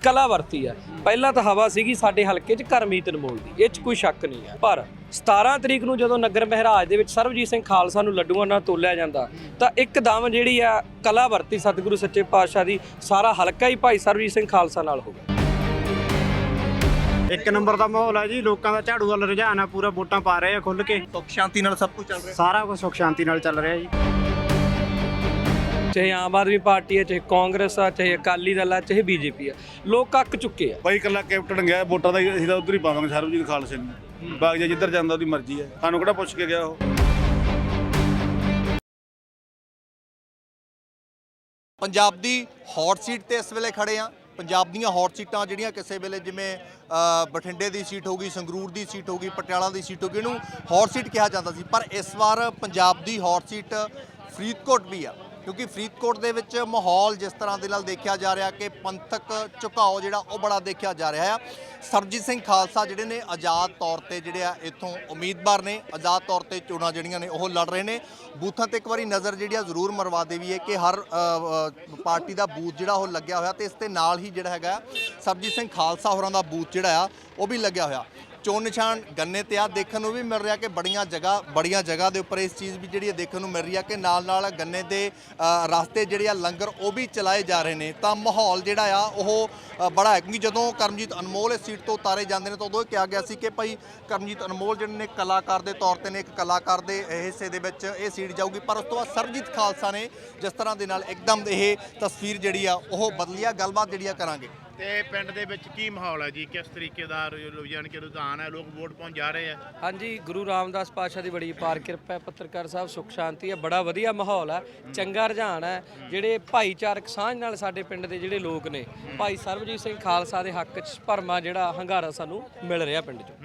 ਕਲਾ ਵਰਤੀ ਆ। ਪਹਿਲਾਂ ਤਾਂ ਹਵਾ ਸੀਗੀ ਸਾਡੇ ਹਲਕੇ 'ਚ ਕਰਮਜੀਤ ਅਨਮੋਲ ਦੀ, ਇਹ 'ਚ ਕੋਈ ਸ਼ੱਕ ਨਹੀਂ ਹੈ। ਪਰ 17 ਤਰੀਕ ਨੂੰ ਜਦੋਂ ਨਗਰ ਮਹਿਰਾਜ ਦੇ ਵਿੱਚ ਸਰਬਜੀਤ ਸਿੰਘ ਖਾਲਸਾ ਨੂੰ ਲੱਡੂਆਂ ਨਾਲ ਤੋਲਿਆ ਜਾਂਦਾ ਤਾਂ ਇੱਕਦਮ ਜਿਹੜੀ ਆ ਕਲਾ ਵਰਤੀ ਸਤਿਗੁਰੂ ਸੱਚੇ ਪਾਤਸ਼ਾਹ ਦੀ, ਸਾਰਾ ਹਲਕਾ ਹੀ ਭਾਈ ਸਰਬਜੀਤ ਸਿੰਘ ਖਾਲਸਾ ਨਾਲ ਹੋ ਗਿਆ। ਇੱਕ ਨੰਬਰ ਦਾ ਮਾਹੌਲ ਹੈ ਜੀ, ਲੋਕਾਂ ਦਾ ਝਾੜੂ ਵੱਲ ਰੁਝਾਨ ਆ ਪੂਰਾ, ਵੋਟਾਂ ਪਾ ਰਹੇ ਆ ਖੁੱਲ ਕੇ। ਸੁੱਖ ਸ਼ਾਂਤੀ ਨਾਲ ਸਭ ਕੁਝ ਚੱਲ ਰਿਹਾ, ਸਾਰਾ ਕੁਝ ਸੁੱਖ ਸ਼ਾਂਤੀ ਨਾਲ ਚੱਲ ਰਿਹਾ ਜੀ। ਚਾਹੇ ਆਮ ਆਦਮੀ ਪਾਰਟੀ ਹੈ, ਚਾਹੇ ਕਾਂਗਰਸ ਆ, ਚਾਹੇ ਅਕਾਲੀ ਦਲ ਆ, ਚਾਹੇ ਬੀਜੇਪੀ ਆ, ਲੋਕ ਅੱਕ ਚੁੱਕੇ ਆ। ਬਾਈ ਇਕੱਲਾ ਕੈਪਟਨ ਗਿਆ, ਵੋਟਾਂ ਦਾ ਅਸੀਂ ਤਾਂ ਉਧਰ ਹੀ ਪਾਵਾਂਗੇ ਸਰਬਜੀਤ ਖਾਲਸੇ ਨੂੰ। ਬਾਗ ਜਾ ਜਿੱਧਰ ਜਾਂਦਾ ਉਹਦੀ ਮਰਜ਼ੀ ਹੈ, ਸਾਨੂੰ ਕਿਹੜਾ ਪੁੱਛ ਕੇ ਗਿਆ ਉਹ। ਪੰਜਾਬ ਦੀ ਹੌਟ ਸੀਟ ਤੇ ਇਸ ਵੇਲੇ ਖੜੇ ਆ। ਪੰਜਾਬ ਦੀਆਂ ਹੌਟ ਸੀਟਾਂ ਜਿਹੜੀਆਂ ਕਿਸੇ ਵੇਲੇ ਜਿਵੇਂ ਬਠਿੰਡੇ ਦੀ ਸੀਟ ਹੋ ਗਈ, ਸੰਗਰੂਰ ਦੀ ਸੀਟ ਹੋ ਗਈ, ਪਟਿਆਲਾ ਦੀ ਸੀਟ ਹੋ ਗਈ, ਇਹਨੂੰ ਹੌਟ ਸੀਟ ਕਿਹਾ ਜਾਂਦਾ ਸੀ। ਪਰ ਇਸ ਵਾਰ ਪੰਜਾਬ ਦੀ ਹੌਟ ਸੀਟ ਫਰੀਦਕੋਟ ਵੀ ਆ, ਕਿਉਂਕਿ ਫਰੀਦਕੋਟ ਦੇ ਵਿੱਚ ਮਾਹੌਲ ਜਿਸ ਤਰ੍ਹਾਂ ਦੇ ਨਾਲ ਦੇਖਿਆ ਜਾ ਰਿਹਾ ਕਿ ਪੰਥਕ ਝੁਕਾਓ ਜਿਹੜਾ ਉਹ ਬੜਾ ਦੇਖਿਆ ਜਾ ਰਿਹਾ ਆ। ਸਰਬਜੀਤ ਸਿੰਘ ਖਾਲਸਾ ਜਿਹੜੇ ਨੇ ਆਜ਼ਾਦ ਤੌਰ ਤੇ ਜਿਹੜੇ ਆ ਇੱਥੋਂ ਉਮੀਦਵਾਰ ਨੇ, ਆਜ਼ਾਦ ਤੌਰ ਤੇ ਚੋਣਾਂ ਜਿਹੜੀਆਂ ਨੇ ਉਹ ਲੜ ਰਹੇ ਨੇ। ਬੂਥਾਂ ਤੇ ਇੱਕ ਵਾਰੀ ਨਜ਼ਰ ਜਿਹੜੀ ਆ ਜ਼ਰੂਰ ਮਰਵਾ ਦੇਵੀਏ ਕਿ ਹਰ ਪਾਰਟੀ ਦਾ ਬੂਥ ਜਿਹੜਾ ਉਹ ਲੱਗਿਆ ਹੋਇਆ, ਤੇ ਇਸ ਦੇ ਨਾਲ ਹੀ ਜਿਹੜਾ ਹੈਗਾ ਸਰਬਜੀਤ ਸਿੰਘ ਖਾਲਸਾ ਹੋਰਾਂ ਦਾ ਬੂਥ ਜਿਹੜਾ ਆ ਉਹ ਵੀ ਲੱਗਿਆ ਹੋਇਆ। ਚੋਣ ਨਿਸ਼ਾਨ ਗੰਨੇ ਤੇ ਆ ਦੇਖਣ ਨੂੰ ਵੀ ਮਿਲ ਰਿਹਾ ਕਿ ਬੜੀਆਂ ਜਗ੍ਹਾ ਦੇ ਉੱਪਰ ਇਸ ਚੀਜ਼ ਵੀ ਜਿਹੜੀ ਹੈ ਦੇਖਣ ਨੂੰ ਮਿਲ ਰਹੀ ਆ ਕਿ ਨਾਲ ਗੰਨੇ ਦੇ ਰਸਤੇ ਜਿਹੜੇ ਆ ਲੰਗਰ ਉਹ ਵੀ ਚਲਾਏ ਜਾ ਰਹੇ ਨੇ। ਤਾਂ ਮਾਹੌਲ ਜਿਹੜਾ ਆ ਉਹ ਬੜਾ ਹੈ, ਕਿਉਂਕਿ ਜਦੋਂ ਕਰਮਜੀਤ ਅਨਮੋਲ ਇਸ ਸੀਟ ਤੋਂ ਉਤਾਰੇ ਜਾਂਦੇ ਨੇ ਤਾਂ ਉਦੋਂ ਇਹ ਕਿਹਾ ਗਿਆ ਸੀ ਕਿ ਭਾਈ ਕਰਮਜੀਤ ਅਨਮੋਲ ਜਿਹੜੇ ਨੇ ਕਲਾਕਾਰ ਦੇ ਤੌਰ ਤੇ ਨੇ, ਇੱਕ ਕਲਾਕਾਰ ਦੇ ਹਿੱਸੇ ਦੇ ਵਿੱਚ ਇਹ ਸੀਟ ਜਾਊਗੀ। ਪਰ ਉਸ ਤੋਂ ਬਾਅਦ ਸਰਬਜੀਤ ਖਾਲਸਾ ਨੇ ਜਿਸ ਤਰ੍ਹਾਂ ਦੇ ਨਾਲ ਇੱਕਦਮ ਇਹ ਤਸਵੀਰ ਜਿਹੜੀ ਆ ਉਹ ਬਦਲੀ ਆ। ਗੱਲਬਾਤ ਜਿਹੜੀ ਆ ਕਰਾਂਗੇ। ਤੇ ਪਿੰਡ ਦੇ ਵਿੱਚ ਕੀ ਮਾਹੌਲ ਹੈ ਜੀ, ਕਿਸ ਤਰੀਕੇ ਦਾ ਯਾਨੀ ਕਿ ਰੁਝਾਨ ਹੈ, ਲੋਕ ਵੋਟ ਪਾਉਣ ਜਾ ਰਹੇ ਆ? ਹਾਂਜੀ, ਗੁਰੂ ਰਾਮਦਾਸ ਪਾਤਸ਼ਾਹ ਦੀ ਬੜੀ ਅਪਾਰ ਕਿਰਪਾ ਹੈ, ਪੱਤਰਕਾਰ ਸਾਹਿਬ, ਸੁੱਖ ਸ਼ਾਂਤੀ ਹੈ, ਬੜਾ ਵਧੀਆ ਮਾਹੌਲ ਹੈ, ਚੰਗਾ ਰੁਝਾਨ ਹੈ। ਜਿਹੜੇ ਭਾਈਚਾਰਕ ਸਾਂਝ ਨਾਲ ਸਾਡੇ ਪਿੰਡ ਦੇ ਜਿਹੜੇ ਲੋਕ ਨੇ, ਭਾਈ ਸਰਬਜੀਤ ਸਿੰਘ ਖਾਲਸਾ ਦੇ ਹੱਕ 'ਚ ਭਰਮਾ ਜਿਹੜਾ ਹੰਗਾਰਾ ਸਾਨੂੰ ਮਿਲ ਰਿਹਾ ਪਿੰਡ 'ਚੋਂ।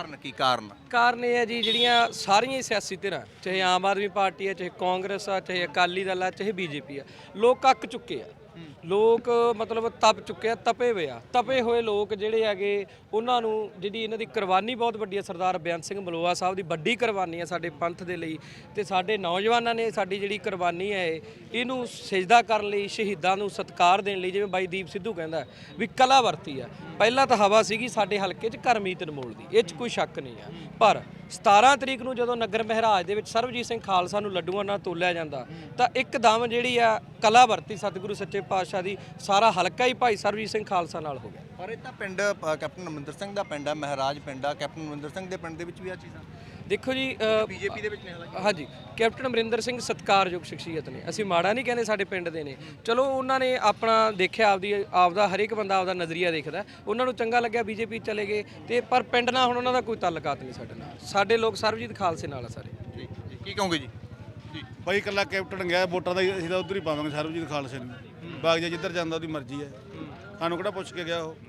ਕਾਰਨ ਇਹ ਹੈ ਜੀ, ਜਿਹੜੀਆਂ ਸਾਰੀਆਂ ਹੀ ਸਿਆਸੀ ਧਿਰਾਂ, ਚਾਹੇ ਆਮ ਆਦਮੀ ਪਾਰਟੀ ਹੈ, ਚਾਹੇ ਕਾਂਗਰਸ ਆ, ਚਾਹੇ ਅਕਾਲੀ ਦਲ ਆ, ਚਾਹੇ ਬੀਜੇਪੀ ਆ, ਲੋਕ ਅੱਕ ਚੁੱਕੇ ਆ। ਲੋਕ ਮਤਲਬ ਤਪ ਚੁੱਕੇ ਆ, ਤਪੇ ਹੋਏ ਲੋਕ ਜਿਹੜੇ ਹੈਗੇ, ਉਹਨਾਂ ਨੂੰ ਜਿਹੜੀ ਇਹਨਾਂ ਦੀ ਕੁਰਬਾਨੀ ਬਹੁਤ ਵੱਡੀ ਹੈ। ਸਰਦਾਰ ਬੇਅੰਤ ਸਿੰਘ ਮਲੋਆ ਸਾਹਿਬ ਦੀ ਵੱਡੀ ਕੁਰਬਾਨੀ ਹੈ ਸਾਡੇ ਪੰਥ ਦੇ ਲਈ, ਤੇ ਸਾਡੇ ਨੌਜਵਾਨਾਂ ਨੇ ਸਾਡੀ ਜਿਹੜੀ ਕੁਰਬਾਨੀ ਹੈ ਇਹਨੂੰ ਸਿਜਦਾ ਕਰਨ ਲਈ, ਸ਼ਹੀਦਾਂ ਨੂੰ ਸਤਿਕਾਰ ਦੇਣ ਲਈ, ਜਿਵੇਂ ਬਾਈ ਦੀਪ ਸਿੱਧੂ ਕਹਿੰਦਾ ਵੀ ਕਲਾ ਵਰਤੀ ਆ। ਪਹਿਲਾਂ ਤਾਂ ਹਵਾ ਸੀਗੀ ਸਾਡੇ ਹਲਕੇ 'ਚ ਕਰਮਜੀਤ ਅਨਮੋਲ ਦੀ, ਇਹ 'ਚ ਕੋਈ ਸ਼ੱਕ ਨਹੀਂ ਹੈ। ਪਰ 17 ਤਰੀਕ ਨੂੰ ਜਦੋਂ ਨਗਰ ਮਹਿਰਾਜ ਦੇ ਵਿੱਚ ਸਰਬਜੀਤ ਸਿੰਘ ਖਾਲਸਾ ਨੂੰ ਲੱਡੂਆਂ ਨਾਲ ਤੋਲਿਆ ਜਾਂਦਾ ਤਾਂ ਇੱਕਦਮ ਜਿਹੜੀ ਆ ਕਲਾ ਵਰਤੀ ਸਤਿਗੁਰੂ ਸੱਚੇ ਪਾਤਸ਼ਾਹ ਦੀ, ਸਾਰਾ ਹਲਕਾ ਹੀ ਭਾਈ ਸਰਬਜੀਤ ਸਿੰਘ ਖਾਲਸਾ ਨਾਲ ਹੋ ਗਿਆ। ਪਰ ਇਹ ਤਾਂ ਪਿੰਡ ਕੈਪਟਨ ਅਮਰਿੰਦਰ ਸਿੰਘ ਦਾ ਪਿੰਡ ਹੈ, ਮਹਾਰਾਜ ਪਿੰਡ ਆ। ਕੈਪਟਨ ਅਮਰਿੰਦਰ ਸਿੰਘ ਦੇ ਪਿੰਡ ਦੇ ਵਿੱਚ ਵੀ ਆ ਚੀਜ਼ਾਂ ਦੇਖੋ ਜੀ, ਬੀਜੇਪੀ ਦੇ ਵਿੱਚ ਨੇ। ਹਾਂਜੀ, ਕੈਪਟਨ ਅਮਰਿੰਦਰ ਸਿੰਘ ਸਤਿਕਾਰਯੋਗ ਸ਼ਖਸੀਅਤ ਨੇ, ਅਸੀਂ ਮਾੜਾ ਨਹੀਂ ਕਹਿੰਦੇ, ਸਾਡੇ ਪਿੰਡ ਦੇ ਨੇ। ਚਲੋ ਉਹਨਾਂ ਨੇ ਆਪਣਾ ਦੇਖਿਆ, ਆਪਦਾ ਹਰੇਕ ਬੰਦਾ ਆਪਦਾ ਨਜ਼ਰੀਆ ਦੇਖਦਾ, ਉਹਨਾਂ ਨੂੰ ਚੰਗਾ ਲੱਗਿਆ, ਬੀਜੇਪੀ ਚਲੇ ਗਏ। ਤੇ ਪਰ ਪਿੰਡ ਨਾਲ ਹੁਣ ਉਹਨਾਂ ਦਾ ਕੋਈ ਤਾਲੁਕਾਤ ਨਹੀਂ ਸਾਡੇ ਨਾਲ, ਸਾਡੇ ਲੋਕ ਸਰਬਜੀਤ ਖਾਲਸੇ ਨਾਲ ਆ ਸਾਰੇ। ਕੀ ਕਹੋਗੇ ਜੀ? ਬਾਈ ਇਕੱਲਾ ਕੈਪਟਨ ਗਿਆ, ਵੋਟਾਂ ਦਾ ਅਸੀਂ ਤਾਂ ਉਧਰ ਹੀ ਪਾਵਾਂਗੇ ਸਰਬਜੀਤ ਖਾਲਸੇ ਨੂੰ। ਬਾਗ ਜਾ ਜਿੱਧਰ ਜਾਂਦਾ ਉਹਦੀ ਮਰਜ਼ੀ ਹੈ, ਸਾਨੂੰ ਕਿਹੜਾ ਪੁੱਛ ਕੇ ਗਿਆ ਉਹ।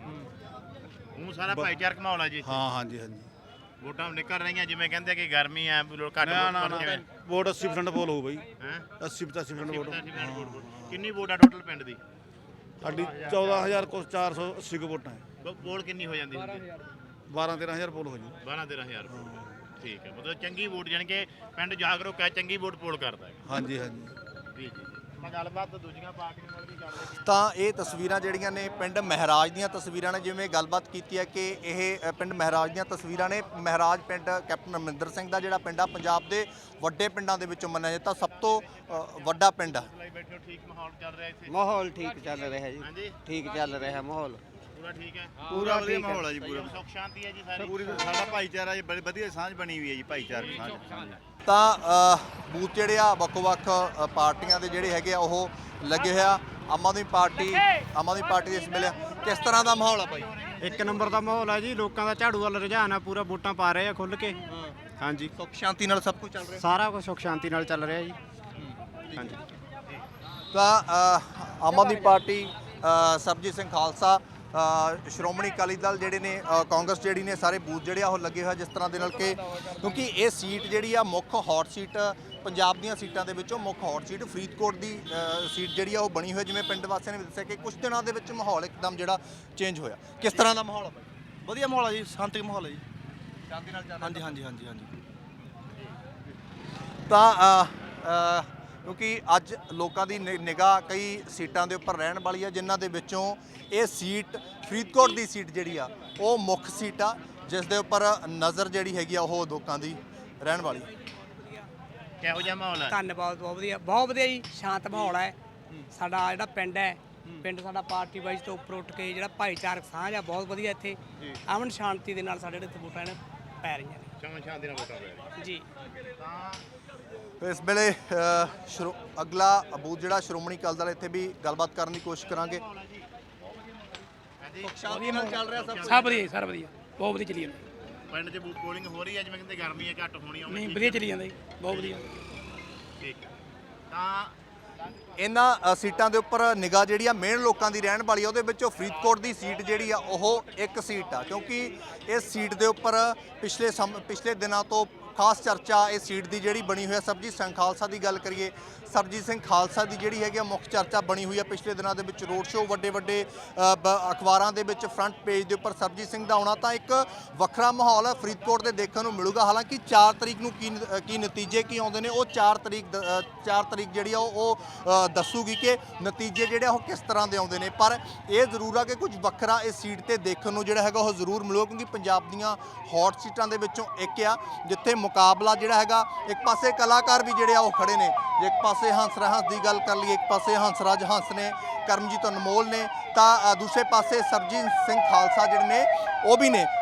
ਉਹ ਸਾਰਾ ਭਾਈਚਾਰਕ ਮਾਹੌਲ ਹੈ ਜੀ। ਹਾਂ, ਹਾਂਜੀ ਹਾਂਜੀ। ਵੋਟਾਂ ਨਿਕਲ ਰਹੀਆਂ, ਜਿਵੇਂ ਕਹਿੰਦੇ ਕਿ ਗਰਮੀ ਹੈ, ਲੋਕ ਘੱਟ ਨਾ ਵੋਟ ਵੋਟ 80% ਪੋਲ ਹੋਊ ਬਾਈ, ਹੈ 80-85% ਵੋਟ। ਕਿੰਨੀ ਵੋਟ ਆ ਟੋਟਲ ਪਿੰਡ ਦੀ? ਸਾਡੀ 14,000 ਕੁਛ 480 ਕੁ ਵੋਟਾਂ ਹੈ। ਪੋਲ ਕਿੰਨੀ ਹੋ ਜਾਂਦੀ? 12-13,000 ਪੋਲ ਹੋ ਜੂ। 12-13,000। ਠੀਕ ਹੈ, ਮਤਲਬ ਚੰਗੀ ਵੋਟ, ਜਾਣੀ ਕਿ ਪਿੰਡ ਜਾਗਰੂਕ ਹੈ, ਚੰਗੀ ਵੋਟ ਪੋਲ ਕਰਦਾ ਹੈ। ਹਾਂਜੀ ਹਾਂਜੀ। ਜੀ ਜੀ। ਮੈਂ ਗੱਲਬਾਤ ਦੂਜੀਆਂ ਪਾਰਟੀਆਂ ਨਾਲ ਵੀ ਕਰ ਲਈ। ਤਾਂ ਇਹ ਤਸਵੀਰਾਂ ਜਿਹੜੀਆਂ ਨੇ ਪਿੰਡ ਮਹਾਰਾਜ ਦੀਆਂ ਤਸਵੀਰਾਂ ਨੇ, ਜਿਵੇਂ ਗੱਲਬਾਤ ਕੀਤੀ ਹੈ ਕਿ ਇਹ ਪਿੰਡ ਮਹਾਰਾਜ ਦੀਆਂ ਤਸਵੀਰਾਂ ਨੇ। ਮਹਾਰਾਜ ਪਿੰਡ ਕੈਪਟਨ ਅਮਰਿੰਦਰ ਸਿੰਘ ਦਾ ਜਿਹੜਾ ਪਿੰਡ ਆ, ਪੰਜਾਬ ਦੇ ਵੱਡੇ ਪਿੰਡਾਂ ਦੇ ਵਿੱਚੋਂ ਮੰਨਿਆ ਜਾਂਦਾ, ਸਭ ਤੋਂ ਵੱਡਾ ਪਿੰਡ ਆ। ਬੈਠੇ ਹੋ, ਠੀਕ ਮਾਹੌਲ ਚੱਲ ਰਿਹਾ ਇੱਥੇ? ਮਾਹੌਲ ਠੀਕ ਚੱਲ ਰਿਹਾ ਜੀ, ਹਾਂਜੀ, ਠੀਕ ਚੱਲ ਰਿਹਾ ਮਾਹੌਲ, ਪੂਰਾ ਠੀਕ ਹੈ। ਪੂਰਾ ਵਧੀਆ ਮਾਹੌਲ ਹੈ ਜੀ, ਪੂਰਾ ਸੁੱਖ ਸ਼ਾਂਤੀ ਹੈ ਜੀ ਸਾਰੀ। ਪੂਰੀ ਸਾਡਾ ਭਾਈਚਾਰਾ ਜੀ ਬੜੀ ਵਧੀਆ ਸਾਂਝ ਬਣੀ ਹੋਈ ਹੈ ਜੀ, ਭਾਈਚਾਰਕ ਸਾਂਝ। ਤਾਂ ਬੂਥ ਜਿਹੜੇ ਆ ਵੱਖ-ਵੱਖ ਪਾਰਟੀਆਂ ਦੇ ਜਿਹੜੇ ਹੈਗੇ ਆ ਉਹ ਲੱਗੇ ਹੋਇਆ। ਆਮ ਆਦਮੀ ਪਾਰਟੀ ਦੇ ਇਸ ਵੇਲੇ ਕਿਸ ਤਰ੍ਹਾਂ ਦਾ ਮਾਹੌਲ ਆ ਬਾਈ? ਇੱਕ ਨੰਬਰ ਦਾ ਮਾਹੌਲ ਹੈ ਜੀ, ਲੋਕਾਂ ਦਾ ਝਾੜੂ ਵੱਲ ਰੁਝਾਨ ਆ ਪੂਰਾ, ਵੋਟਾਂ ਪਾ ਰਹੇ ਆ ਖੁੱਲ ਕੇ। ਹਾਂਜੀ, ਸੁੱਖ ਸ਼ਾਂਤੀ ਨਾਲ ਸਭ ਕੁਝ ਚੱਲ ਰਿਹਾ, ਸਾਰਾ ਕੁਝ ਸੁੱਖ ਸ਼ਾਂਤੀ ਨਾਲ ਚੱਲ ਰਿਹਾ ਜੀ। ਹਾਂਜੀ। ਤਾਂ ਆਮ ਆਦਮੀ ਪਾਰਟੀ, ਸਰਬਜੀਤ ਸਿੰਘ ਖਾਲਸਾ, ਸ਼੍ਰੋਮਣੀ ਅਕਾਲੀ ਦਲ ਜਿਹੜੇ ਨੇ, ਕਾਂਗਰਸ ਜਿਹੜੀ ਨੇ, ਸਾਰੇ ਬੂਥ ਜਿਹੜੇ ਆ ਉਹ ਲੱਗੇ ਹੋਏ ਜਿਸ ਤਰ੍ਹਾਂ ਦੇ ਨਾਲ ਕਿ, ਕਿਉਂਕਿ ਇਹ ਸੀਟ ਜਿਹੜੀ ਆ ਮੁੱਖ ਹੌਟ ਸੀਟ, ਪੰਜਾਬ ਦੀਆਂ ਸੀਟਾਂ ਦੇ ਵਿੱਚੋਂ ਮੁੱਖ ਹੌਟ ਸੀਟ ਫਰੀਦਕੋਟ ਦੀ ਸੀਟ ਜਿਹੜੀ ਆ ਉਹ ਬਣੀ ਹੋਈ। ਜਿਵੇਂ ਪਿੰਡ ਵਾਸੀਆਂ ਨੇ ਦੱਸਿਆ ਕਿ ਕੁਝ ਦਿਨਾਂ ਦੇ ਵਿੱਚ ਮਾਹੌਲ ਇੱਕਦਮ ਜਿਹੜਾ ਚੇਂਜ ਹੋਇਆ। ਕਿਸ ਤਰ੍ਹਾਂ ਦਾ ਮਾਹੌਲ ਆ? ਵਧੀਆ ਮਾਹੌਲ ਹੈ ਜੀ, ਸ਼ਾਂਤੀ ਮਾਹੌਲ ਹੈ ਜੀ। ਸ਼ਾਂਤੀ ਨਾਲ ਚੱਲ ਹਾਂਜੀ ਹਾਂਜੀ ਹਾਂਜੀ ਹਾਂਜੀ। ਤਾਂ ਕਿਉਂਕਿ ਅੱਜ ਲੋਕਾਂ ਦੀ ਨਿਗਾਹ ਕਈ ਸੀਟਾਂ ਦੇ ਉੱਪਰ ਰਹਿਣ ਵਾਲੀ ਆ, ਜਿਨ੍ਹਾਂ ਦੇ ਵਿੱਚੋਂ ਇਹ ਸੀਟ ਫਰੀਦਕੋਟ ਦੀ ਸੀਟ ਜਿਹੜੀ ਆ ਉਹ ਮੁੱਖ ਸੀਟ ਆ, ਜਿਸ ਦੇ ਉੱਪਰ ਨਜ਼ਰ ਜਿਹੜੀ ਹੈਗੀ ਆ ਉਹ ਲੋਕਾਂ ਦੀ ਰਹਿਣ ਵਾਲੀ। ਕਿਹੋ ਜਿਹਾ ਮਾਹੌਲ ਹੈ? ਧੰਨਵਾਦ, ਬਹੁਤ ਵਧੀਆ ਜੀ, ਸ਼ਾਂਤ ਮਾਹੌਲ ਹੈ। ਸਾਡਾ ਜਿਹੜਾ ਪਿੰਡ ਹੈ, ਪਿੰਡ ਸਾਡਾ ਪਾਰਟੀ ਵਾਈਜ਼ ਤੋਂ ਉੱਪਰ ਉੱਠ ਕੇ ਜਿਹੜਾ ਭਾਈਚਾਰਕ ਸਾਂਝ ਆ ਬਹੁਤ ਵਧੀਆ, ਇੱਥੇ ਅਮਨ ਸ਼ਾਂਤੀ ਦੇ ਨਾਲ ਸਾਡੇ ਜਿਹੜੇ ਇੱਥੇ ਵੋਟਾਂ ਨੇ ਪੈ ਰਹੀਆਂ ਨੇ। ਚਮਨ ਸ਼ਾਂਤੀ ਨਾਲ ਵੋਟਾਂ ਪੈ ਰਹੀਆਂ ਜੀ ਤੇ ਇਸ ਵੇਲੇ ਅਗਲਾ ਬੂਥ ਜਿਹੜਾ ਸ਼੍ਰੋਮਣੀ ਅਕਾਲੀ ਦਲ, ਇੱਥੇ ਵੀ ਗੱਲਬਾਤ ਕਰਨ ਦੀ ਕੋਸ਼ਿਸ਼ ਕਰਾਂਗੇ। ਸ਼ਾਂਤੀ ਨਾਲ ਚੱਲ ਰਿਹਾ ਸਭ ਵਧੀਆ ਸਰ, ਵਧੀਆ, ਬਹੁਤ ਵਧੀਆ ਚੱਲੀ ਜਾਂਦਾ। ਪਿੰਡ 'ਚ ਪੋਲਿੰਗ ਹੋ ਰਹੀ ਹੈ, ਜਿਵੇਂ ਕਹਿੰਦੇ ਗਰਮੀ ਹੈ ਘੱਟ ਹੋਣੀ ਆ, ਨਹੀਂ ਵਧੀਆ ਚੱਲੀ ਜਾਂਦਾ ਜੀ, ਬਹੁਤ ਵਧੀਆ। ਠੀਕ ਹੈ। ਤਾਂ ਇਹਨਾਂ ਸੀਟਾਂ ਦੇ ਉੱਪਰ ਨਿਗਾਹ ਜਿਹੜੀ ਆ ਮੇਨ ਲੋਕਾਂ ਦੀ ਰਹਿਣ ਵਾਲੀ ਆ, ਉਹਦੇ ਵਿੱਚੋਂ ਫਰੀਦਕੋਟ ਦੀ ਸੀਟ ਜਿਹੜੀ ਆ ਉਹ ਇੱਕ ਸੀਟ ਆ, ਕਿਉਂਕਿ ਇਸ ਸੀਟ ਦੇ ਉੱਪਰ ਪਿਛਲੇ ਦਿਨਾਂ ਤੋਂ ਖਾਸ ਚਰਚਾ ਇਸ ਸੀਟ ਦੀ ਜਿਹੜੀ ਬਣੀ ਹੋਈ ਹੈ। ਸਰਬਜੀਤ ਸਿੰਘ ਖਾਲਸਾ ਦੀ ਗੱਲ ਕਰੀਏ, ਸਰਬਜੀਤ ਸਿੰਘ ਖਾਲਸਾ ਦੀ ਜਿਹੜੀ ਹੈਗੀ ਆ ਮੁੱਖ ਚਰਚਾ ਬਣੀ ਹੋਈ ਹੈ ਪਿਛਲੇ ਦਿਨਾਂ ਦੇ ਵਿੱਚ। ਰੋਡ ਸ਼ੋਅ ਵੱਡੇ ਅਖਬਾਰਾਂ ਦੇ ਵਿੱਚ ਫਰੰਟ ਪੇਜ ਦੇ ਉੱਪਰ ਸਰਬਜੀਤ ਸਿੰਘ ਦਾ ਆਉਣਾ ਤਾਂ ਇੱਕ ਵੱਖਰਾ ਮਾਹੌਲ ਹੈ ਫਰੀਦਕੋਟ ਦੇ ਦੇਖਣ ਨੂੰ ਮਿਲੂਗਾ। ਹਾਲਾਂਕਿ 4 ਤਰੀਕ ਨੂੰ ਕੀ ਨਤੀਜੇ ਕੀ ਆਉਂਦੇ ਨੇ ਉਹ 4 ਤਰੀਕ ਜਿਹੜੀ ਆ ਉਹ ਦੱਸੂਗੀ ਕਿ ਨਤੀਜੇ ਜਿਹੜੇ ਉਹ ਕਿਸ ਤਰ੍ਹਾਂ ਦੇ ਆਉਂਦੇ ਨੇ। ਪਰ ਇਹ ਜ਼ਰੂਰ ਆ ਕਿ ਕੁਝ ਵੱਖਰਾ ਇਸ ਸੀਟ ਤੇ ਦੇਖਣ ਨੂੰ ਜਿਹੜਾ ਹੈਗਾ ਉਹ ਜ਼ਰੂਰ ਮਿਲੂਗਾ, ਕਿਉਂਕਿ ਪੰਜਾਬ ਦੀਆਂ ਹੌਟ ਸੀਟਾਂ ਦੇ ਵਿੱਚੋਂ ਇੱਕ ਆ ਜਿੱਥੇ ਮੁਕਾਬਲਾ ਜਿਹੜਾ ਹੈਗਾ, ਇੱਕ ਪਾਸੇ ਕਲਾਕਾਰ ਵੀ ਜਿਹੜੇ ਆ ਉਹ ਖੜੇ ਨੇ, ਇੱਕ ਪਾਸੇ ਹੰਸਰਾਜ ਦੀ ਗੱਲ ਕਰ ਲਈਏ, ਇੱਕ ਪਾਸੇ ਹੰਸਰਾਜ ਹੰਸ ਨੇ, ਕਰਮਜੀਤ ਅਨਮੋਲ ਨੇ, ਤਾਂ ਦੂਸਰੇ ਪਾਸੇ ਸਰਬਜੀਤ ਸਿੰਘ ਖਾਲਸਾ ਜਿਹੜੇ ਨੇ ਉਹ ਵੀ ਨੇ।